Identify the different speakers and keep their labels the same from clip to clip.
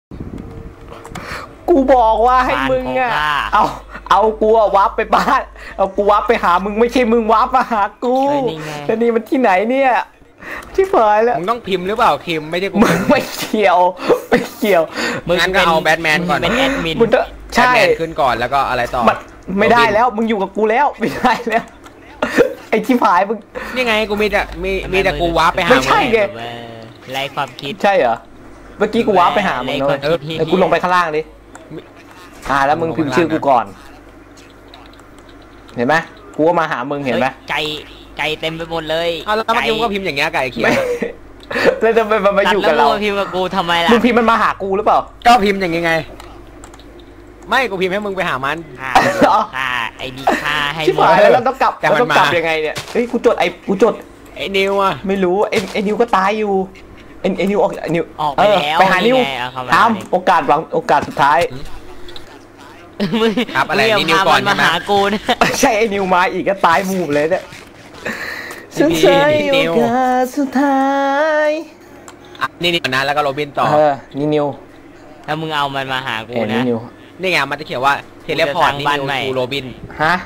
Speaker 1: กูบอกว่าให้มึงอ่ะเอากูวับไปบ้านเอากูวับไปหามึงไม่ใช่มึงวับมาหากูแล้วนี่มันที่ไหนเนี่ยที่เผยแล้ว
Speaker 2: มึงต้องพิมพ์หรือเปล่าพิมพ์ไม่ใช่กู
Speaker 1: มึงไม่เกี่ยว
Speaker 2: งั้นก็เอาแบทแมนก่อน
Speaker 3: เป็นแอดมิน
Speaker 1: ใช่
Speaker 2: ขึ้นก่อนแล้วก็อะไรต่อ
Speaker 1: ไม่ได้แล้วมึงอยู่กับกูแล้วไม่ได้แล้วไอ้ที่ผายมึง
Speaker 2: นี่ไงกูมีแต่กูวับไปหา
Speaker 1: ไม่ใช่ไง
Speaker 3: ไร้ความคิด
Speaker 1: ใช่เหรอเมื่อกี้กูวับไปหามึงเลยแล้วกูลงไปข้างล่างดิแล้วมึงพิมพ์ชื่อกูก่อนเห็นไหมกูก็มาหามึงเห็นไหม
Speaker 3: ไก่เต็มไปหมดเลย
Speaker 2: แล้วเมื่อกี้มึงก็พิมพ์อย่างเงี้ยไก่เขียว
Speaker 1: แล้วจะมันมาอยู่กับเรา
Speaker 3: พิมพ์กับกูทำไมล่ะ
Speaker 1: มึงพิมพ์มันมาหากูหรือเปล่า
Speaker 2: ก็พิมพ์อย่างไงไม่กูพิมพ์ให้มึงไปหามัน
Speaker 3: ไอ้ดีค่าให้
Speaker 1: ชิบหายแล้วต้องกลับยังไงเนี่ยเฮ้ยกูจดไอ้
Speaker 2: นิวอะ
Speaker 1: ไม่รู้ไอ้นิวก็ตายอยู่ไอ้นิวออก
Speaker 3: ไปแล้ว
Speaker 1: ไปหานิวทำโอกาสสุดท้าย
Speaker 2: ครับอะไรนี่นิวก่อน
Speaker 3: มาหากูเนี่ย
Speaker 1: ใช่ไอ้นิวมาอีกก็ตายหมู่เลยเนี่ยฉันใช้โอกาสสุดท้าย
Speaker 2: นี่นะแล้วก็โรบินต่อ
Speaker 1: นี่นิว
Speaker 3: ถ้ามึงเอามันมาหากูนะ
Speaker 2: นี่ไงมันจะเขียนว่าเทเลพอร์ตนี่นิวกูโรบิน
Speaker 1: ฮะ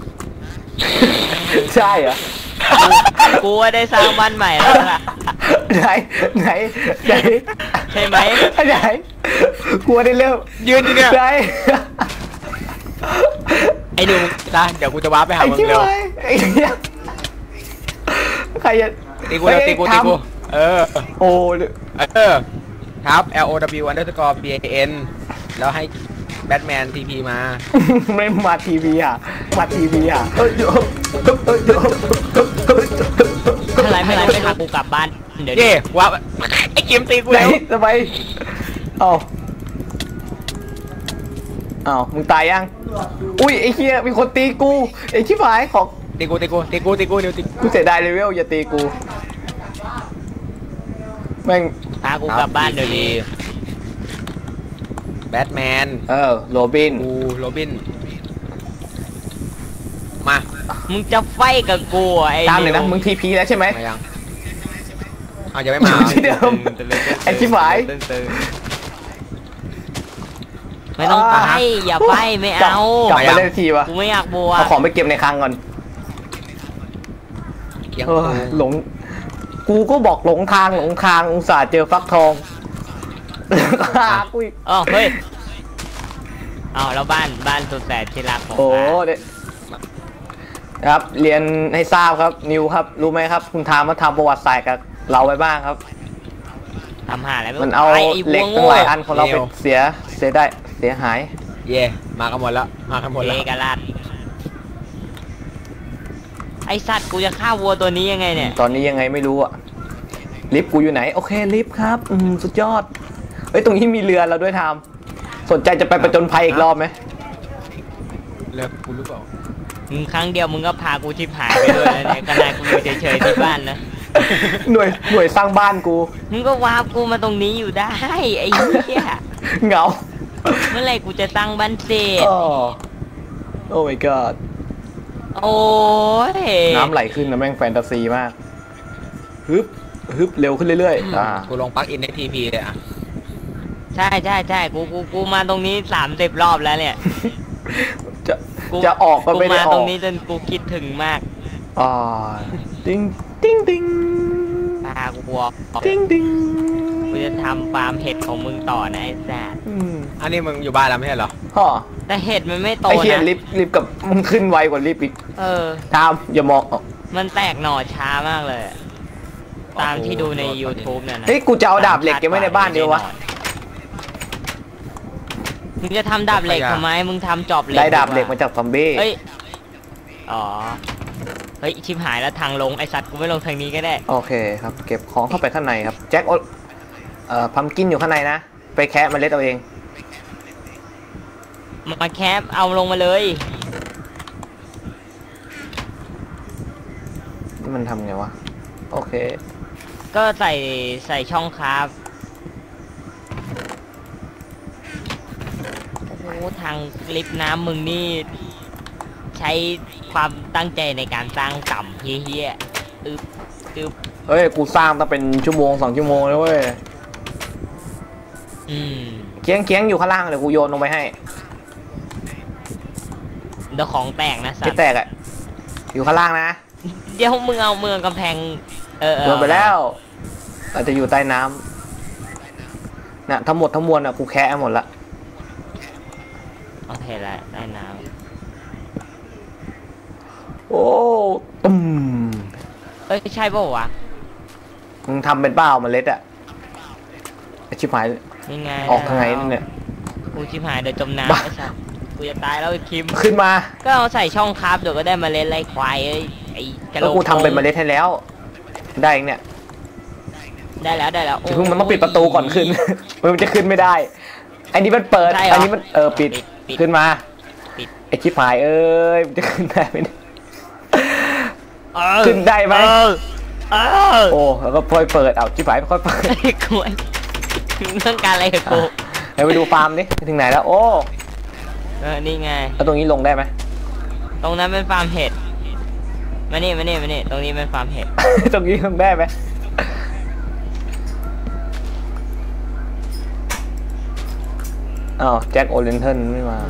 Speaker 1: ใช่เหรอ
Speaker 3: กูได้สร้างบ้านใหม่แล้วล่ะ
Speaker 1: ไหน
Speaker 3: ใช่ไหม
Speaker 1: ไหนกูได้เริ่ม
Speaker 2: ยืนเนี่ย
Speaker 1: ไหน
Speaker 2: ไอ้นิวนะเดี๋ยวกูจะว้าไปหามึงเร็ว
Speaker 1: ใครจะ
Speaker 2: ตีกู
Speaker 1: โอ้
Speaker 2: ครับ LOW_BAN แล้วให้แบทแมนทีพีมา
Speaker 1: ไม่มาทีวีมาทีวี
Speaker 3: อะไรไม่พากูกลับบ้าน
Speaker 2: เดี๋ยวว่าไอ้เกมตีกูแล้ว
Speaker 1: ทำไมมึงตายยังอุ้ยไอ้เหี้ยมีคนตีกูไอ้ชิบหายของ
Speaker 2: ตีกูนิวตี
Speaker 1: กูเสียดายเลเวลอย่าตีกูแม่ง
Speaker 3: พากูกลับบ้านเดี๋ยวนี้
Speaker 2: แบทแมน
Speaker 1: โรบิน
Speaker 2: โรบินมา
Speaker 3: มึงจะไฟกับกูไอ้
Speaker 1: ตามเลยนะมึงทีพีแล้วใช่ไหม
Speaker 2: ยังยังไม่มา
Speaker 1: ที่เดิมไอ้ชิบหาย
Speaker 3: ไม่ต้องไปอย่าไปไม่เอา
Speaker 1: กลับมาเล่นทีวะ
Speaker 3: กูไม่อยากบัว
Speaker 1: เอาของไปเก็บในคลังก่อนหลงกูก็บอกหลงทางอุตส่าห์เจอฟักทอง
Speaker 3: กูเฮ้ยแล้วบ้านสุดแสนที่รักของ
Speaker 1: ครับเรียนให้ทราบครับนิวครับรู้ไหมครับคุณทามมาทำประวัติศาสตร์กับเราไว้บ้างครับ
Speaker 3: ทำหาอะไร
Speaker 1: มันเอาเหล็กตั้งหลายอันของเราไปเสียหาย
Speaker 2: มากันหมดแล้ว
Speaker 3: กันลัดไอสัตว์กูจะฆ่าวัวตัวนี้ยังไงเนี่ย
Speaker 1: ตอนนี้ยังไงไม่รู้อะลิฟต์กูอยู่ไหนโอเคลิฟต์ครับสุดยอดเฮ้ยตรงนี้มีเรือเราด้วยทามสนใจจะไปประจนภัยอีกรอบไหม
Speaker 2: เรือกูรู้เปล่า
Speaker 3: ครั้งเดียวมึงก็พากูชิบหายไปด้วยเนี่ยขนาดกูอยู่เฉยๆที่บ้านนะ
Speaker 1: หน่วยสร้างบ้านกู
Speaker 3: มึงก็วาร์ปกูมาตรงนี้อยู่ได้ไอ้เหี้ย
Speaker 1: เหงา
Speaker 3: เมื่อไหร่กูจะสร้างบ้านเสร็จ
Speaker 1: โอ้ my god
Speaker 3: โอ้ย
Speaker 1: น้ำไหลขึ้นนะแม่งแฟนตาซีมากฮึบเร็วขึ้นเรื่อย
Speaker 2: ๆกูลงปลั๊กอินในทีพีเลย
Speaker 3: ใช่กูมาตรงนี้30 รอบแล้วเนี่ย
Speaker 1: จะออกก็ไม่ได้ออก
Speaker 3: มาตรงนี้จนกูคิดถึงมาก
Speaker 1: ติ้ง
Speaker 3: พากู
Speaker 1: ติ้ง
Speaker 3: กูจะทำฟาร์มเห็ดของมึงต่อนะไอ้แซด
Speaker 2: อันนี้มึงอยู่บ้านแล้วไม่ใช่เหรอ
Speaker 3: แต่เห็ดมันไม่โตนะ
Speaker 1: ไอ้เหี้ยลิฟกับมึงขึ้นไวกว่าลิฟอีกทามอย่ามอง
Speaker 3: มันแตกหน่อช้ามากเลยตามที่ดูใน YouTube เนี่ยนะ
Speaker 1: เฮ้ยกูจะเอาดาบเหล็กเก็บไว้ในบ้านเดียววะ
Speaker 3: มึงจะทำดาบเหล็กทำไมมึงทำจอบเหล็ก
Speaker 1: ได้ดาบเหล็กมาจากซอมบี้
Speaker 3: เฮ้ยชิบหายแล้วทางลงไอสัตว์กูไม่ลงทางนี้ก็ได้
Speaker 1: โอเคครับเก็บของเข้าไปข้างในครับแจ็คพัมกินอยู่ข้างในนะไปแคะเมล็ดเอาเอง
Speaker 3: มาแคปเอาลงมาเลย
Speaker 1: นี่มันทำไงวะโอเค
Speaker 3: ก็ใส่ช่องครับโอ้ทางลิฟต์น้ำมึงนี่ใช้ความตั้งใจในการสร้างต่ำเฮี้ย
Speaker 1: เฮ้ยกูสร้างต้องเป็นชั่วโมง2 ชั่วโมงแล้วเว้ยเคียงอยู่ข้างล่างเดี๋ยวกูโยนลงไปให้
Speaker 3: เดี๋ยวของแตกนะสัตว์
Speaker 1: ที่แตกอะอยู่ข้างล่างนะ
Speaker 3: เดี๋ยวมึงเอาเมืองกำแพง
Speaker 1: โยนไปแล้วอาจจะอยู่ใต้น้ำน่ะทั้งหมดทั้งมวลอะกูแคะหมดละ
Speaker 3: โอเคแล้วใต้น้
Speaker 1: ำโอ้ตุ้ม
Speaker 3: ใช่ป่าววะ
Speaker 1: มึงทำเป็นเปล่าเมล็ดอะชิบหาย
Speaker 3: นี่ไง
Speaker 1: ออกทางไหนเนี่ย
Speaker 3: กูชิบหายเดี๋ยวจมน้ำไอ้สัสกูจะตายแล้วไอ้คิม
Speaker 1: ขึ้นมา
Speaker 3: ก็เอาใส่ช่องคราฟเดี๋ยวก็ได้เมล็ดไรควายไอ้กระโหลก
Speaker 1: กูทำเป็นเมล็ดให้แล้วได้เนี่ย
Speaker 3: ได้แล้ว
Speaker 1: เพิ่งมันต้องปิดประตูก่อนขึ้นมันจะขึ้นไม่ได้อันนี้มันเปิดอันนี้มันปิดขึ้นมาไอ้ชิบหายมันจะขึ้นได้ไหมขึ้นได้ไหมโอ้แล้วก็ค่อยเปิดเอาชิบหายค่อยเปิด
Speaker 3: กูเรื่องการอะไรกับกู
Speaker 1: ไปดูฟาร์มดิถึงไหนแล้วโอ้
Speaker 3: นี่ไง
Speaker 1: แล้วตรงนี้ลงได้ไหม
Speaker 3: ตรงนั้นเป็นฟาร์มเห็ดมานี่ตรงนี้เป็นฟาร์มเห็ด
Speaker 1: ตรงนี้ลงได้ไหมอ้าวแจ็คโอเลนเทิลไม่มา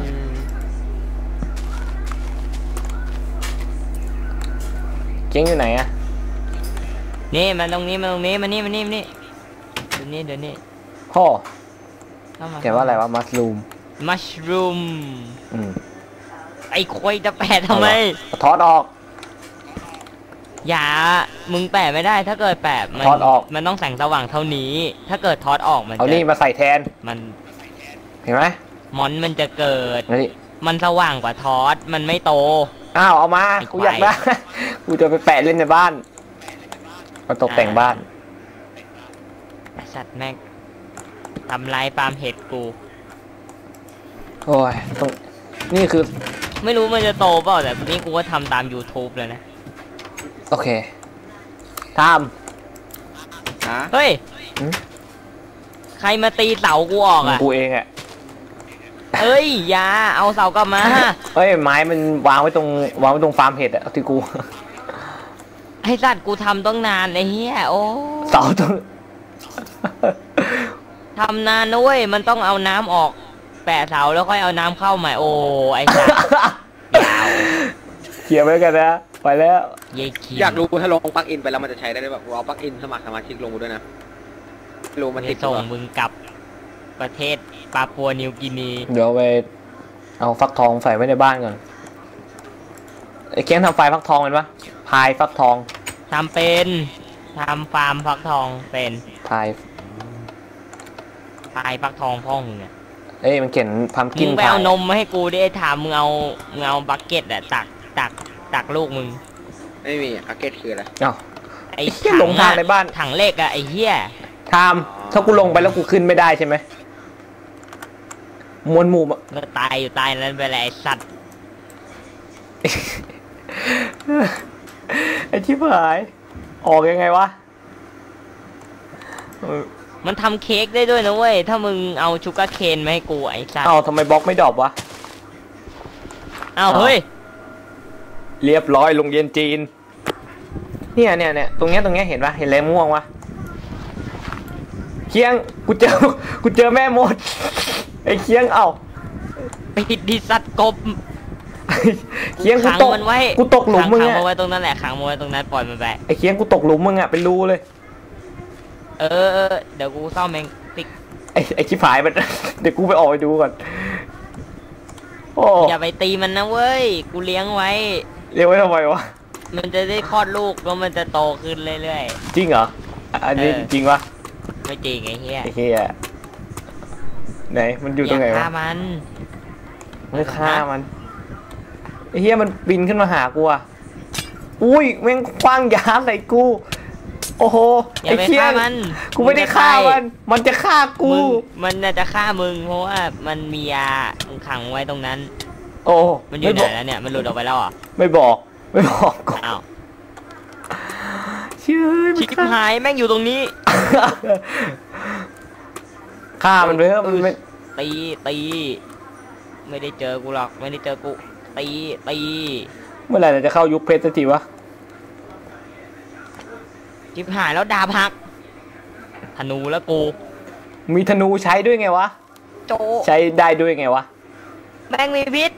Speaker 1: เจ๊งอยู่ไหนอะ
Speaker 3: นี่มันตรงนี้มานี่เดี๋ยวนี้
Speaker 1: พ่อแกว่าอะไรวะมัชรูม
Speaker 3: ไอ้ควายจะแปะทำไม
Speaker 1: ถอดออก
Speaker 3: อย่ามึงแปะไม่ได้ถ้าเกิดแปะ
Speaker 1: ถอดออก
Speaker 3: มันต้องแสงสว่างเท่านี้ถ้าเกิดถอดออกมัน
Speaker 1: เอานี่มาใส่แทน
Speaker 3: มัน
Speaker 1: เห็นไหม
Speaker 3: มันจะเกิดมันสว่างกว่าทอดมันไม่โต
Speaker 1: อ้าวเอามากูอยากได้กูจะไปแปะเล่นในบ้านมาตกแต่งบ้าน
Speaker 3: สัตว์แม่งทำลายฟาร์มเห็ดกู
Speaker 1: โอ้ยต้องนี่คือ
Speaker 3: ไม่รู้มันจะโตเปล่าแต่นี่กูก็ทำตาม YouTube เลยนะ
Speaker 1: โอเคท
Speaker 3: ำเฮ้ยใครมาตีเสากูออกอ่ะ
Speaker 1: กูเองอ่ะ
Speaker 3: เอ้ยอย่าเอาเสากลับมา
Speaker 1: เฮ้ยไม้มันวางไว้ตรงฟาร์มเห็ดอะที่กู
Speaker 3: ไอ้สัตว์กูทำต้องนานไอ้เหี้ยโอ้
Speaker 1: เสาตรง
Speaker 3: ทำนานนะเว้ยมันต้องเอาน้ำออกแปะเสาแล้วค่อยเอาน้ำเข้าใหม่โอ้ไอ้สัตว์ยาว
Speaker 1: เขียนไว้กันนะไปแล้ว
Speaker 2: อยากรู้ถ้าลงปลั๊กอินไปแล้วมันจะใช้ได้แบบเอาปลั๊กอินสมัครสมาชิกลงด้วยนะรู้มันติด
Speaker 3: ส่งมึงกลับประเทศปาปัวนิวกินี
Speaker 1: เดี๋ยวไปเอาฟักทองใส่ไว้ในบ้านก่อนไอ้เคียงทำไฟฟักทองเป็นปะพายฟักทอง
Speaker 3: ทำเป็นทำฟาร์มฟักทองเป็น
Speaker 1: พาย
Speaker 3: ฟักทองพ่อมึงเนี่ย
Speaker 1: มันเขียนพัมกิน
Speaker 3: มึงไปเอานมมาให้กูดิถามมึงเอาบักเก็ตอะตักลูกมึง
Speaker 2: ไม่มีบักเก็ตคืออะไร
Speaker 1: ไอ้ถังลงทางในบ้าน
Speaker 3: ถังเล็กอะไอ้เหี้ย
Speaker 1: ทามถ้ากูลงไปแล้วกูขึ้นไม่ได้ใช่ไหมมวลหมู่
Speaker 3: ก็ตายอยู่ใต้นั้นไปเลยไอ้สัตว์
Speaker 1: ไอ้ที่ผายออกยังไงวะ
Speaker 3: มันทำเค้กได้ด้วยนะเว้ยถ้ามึงเอาชูการ์เคนมาให้กูไอ้สัตว์
Speaker 1: ทำไมบล็อกไม่ดรอปวะ
Speaker 3: เฮ้ย
Speaker 1: เรียบร้อยลงเย็นจีนเนี่ยตรงเนี้ยเห็นปะเห็นอะไรม่วงวะเคียงกูเจอแม่มดไอ้เคียง
Speaker 3: ไปดิสัตว์กบ
Speaker 1: เคียงกูตกหลุมมึง
Speaker 3: ขังไว้ตรงนั้นแหละขังไว้ตรงนั้นปล่อยมันไป
Speaker 1: ไอ้เคียงกูตกหลุมมึงอะเป็นรูเลย
Speaker 3: เดี๋ยวกูซ่อมเองติ๊ก
Speaker 1: ไอ้ชิบหายมันเดี๋ยวกูไปออกไปดูก่อน
Speaker 3: อย่าไปตีมันนะเว้ยกูเลี้ยงไว้
Speaker 1: ทำไมวะ
Speaker 3: มันจะได้คลอดลูกแล้วมันจะโตขึ้นเรื่อย
Speaker 1: ๆจริงเหรออันนี้จริงวะ
Speaker 3: ไม่จริงไอ้เหี้ย
Speaker 1: ไหนมันอยู่ตรงไหนวะ
Speaker 3: ฆ่ามัน
Speaker 1: ไม่ฆ่ามันไอ้เหี้ยมันบินขึ้นมาหากูอ่ะอุ้ยแม่งคว้างยาใส่กูโอ้โหไอ้เหี้ยกูไม่ได้ฆ่ามันจะฆ่ากู
Speaker 3: มันจะฆ่ามึงเพราะว่ามันมียาขังไว้ตรงนั้น
Speaker 1: โอ้
Speaker 3: มันอยู่ไหนแล้วเนี่ยมันหลุดออกไปแล้วอ่ะ
Speaker 1: ไม่บอกกู
Speaker 3: อ้าว
Speaker 1: ชิ
Speaker 3: บหายแม่งอยู่ตรงนี้
Speaker 1: ฆ่ามันไปเถอะมันไม่
Speaker 3: ตีไม่ได้เจอกูหรอกไม่ได้เจอกูตี
Speaker 1: เมื่อไหร่จะเข้ายุคเพชรสักทีวะ
Speaker 3: ชิบหายแล้วดาบหักธนูแล้วกู
Speaker 1: มีธนูใช้ด้วยไงวะ
Speaker 3: โจ
Speaker 1: ใช้ได้ด้วยไงวะ
Speaker 3: แม่งมีพิษ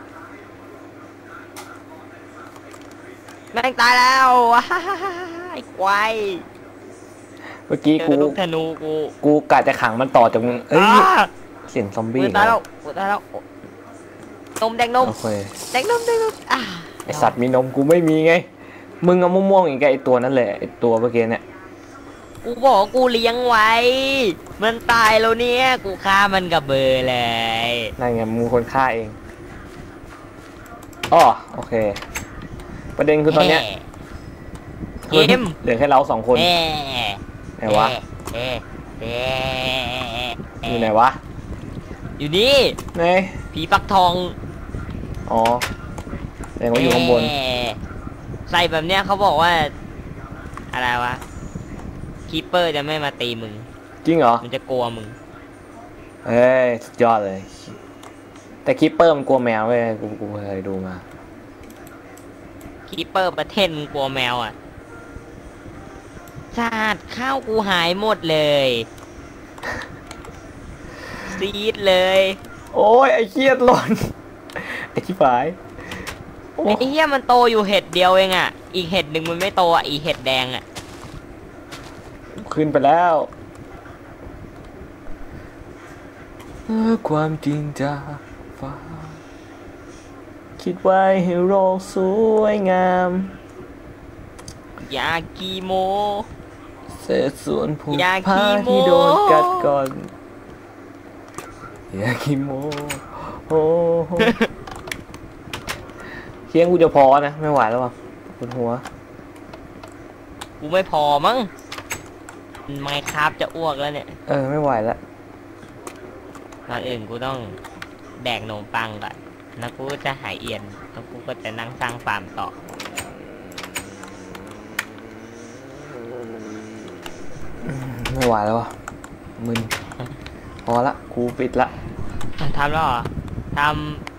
Speaker 3: แม่งตายแล้วว้าไอ้ควาย
Speaker 1: เมื่อกี้
Speaker 3: เจ
Speaker 1: กู
Speaker 3: อลูกธนูกู
Speaker 1: กูกะจะขังมันต่อจากมึงเอ้ย
Speaker 3: อ้า
Speaker 1: เสียงซอม
Speaker 3: กู
Speaker 1: บี้
Speaker 3: ตายแล้วกูตายแล้วนมแดงนม
Speaker 1: โอเค
Speaker 3: แดงนมอ่า
Speaker 1: ไอสัตว์มีนมกูไม่มีไง มึงเอาม่วงๆอีกไอตัวนั่นแหละไอตัวเมื่อกี้เนี่ย
Speaker 3: กูบอกกูเลี้ยงไว้ มันตายแล้วเนี่ยกูฆ่ามันกับเบอร์เลย
Speaker 1: นั่นไงมึงคนฆ่าเองอ๋อโอเค ประเด็นคือตอนเนี้ย
Speaker 3: เอ็ม
Speaker 1: เหลือแค่เราสองคน
Speaker 3: แหม
Speaker 1: ไหนวะ
Speaker 3: แหมแหม
Speaker 1: อยู่ไหนวะ
Speaker 3: อยู่นี่
Speaker 1: ไหน
Speaker 3: ผีปักทอง
Speaker 1: อ๋อแสดงว่าอยู่ข้างบน
Speaker 3: แหมใส่แบบเนี้ยเขาบอกว่า อะไรวะคีปเปอร์จะไม่มาตีมึง
Speaker 1: จริงเหรอ
Speaker 3: มันจะกลัวมึง
Speaker 1: เฮ้ยสุดยอดเลย แต่คิปเปอร์มันกลัวแมวเว้ยกูเคยดูมา
Speaker 3: คีปเปอร์ประเทศมึงกลัวแมวอ่ะชาติข้าวกูหายหมดเลยซีดเลย
Speaker 1: โอ้ยไอ้เครียดหล่น ไอ้ชิบหายโอ้
Speaker 3: ไอ้เหี้ยมันโตอยู่เห็ดเดียวเองอ่ะ อีกเห็ดหนึ่งมันไม่โตอ่ะ อีเห็ดแดงอ่ะ
Speaker 1: ขึ้นไปแล้วความจริงจากฟ้าคิดไว้ให้โลกสวยงาม
Speaker 3: ยากีโม
Speaker 1: เศษส่วนผูก
Speaker 3: อยาก
Speaker 1: ผ้า
Speaker 3: ขี้โม้
Speaker 1: ที่โดนกัดก่อนอยากขี้โมโอ้โห เคียงกูจะพอนะไม่ไหวแล้วว่ะปวดหัว
Speaker 3: กูไม่พอมั้งไมค์คราฟจะอ้วกแล้วเนี่ย
Speaker 1: ไม่ไหวแล้ว
Speaker 3: ก่อนอื่นกูต้องแดกนมปังก่อนแล้วกูจะหายเอียน แล้วกูก็จะนั่งสร้างฟาร์มต่อ
Speaker 1: ไม่ไหวแล้วว่ะมึนพอละกูปิดละ
Speaker 3: ทำแล้วเหรอท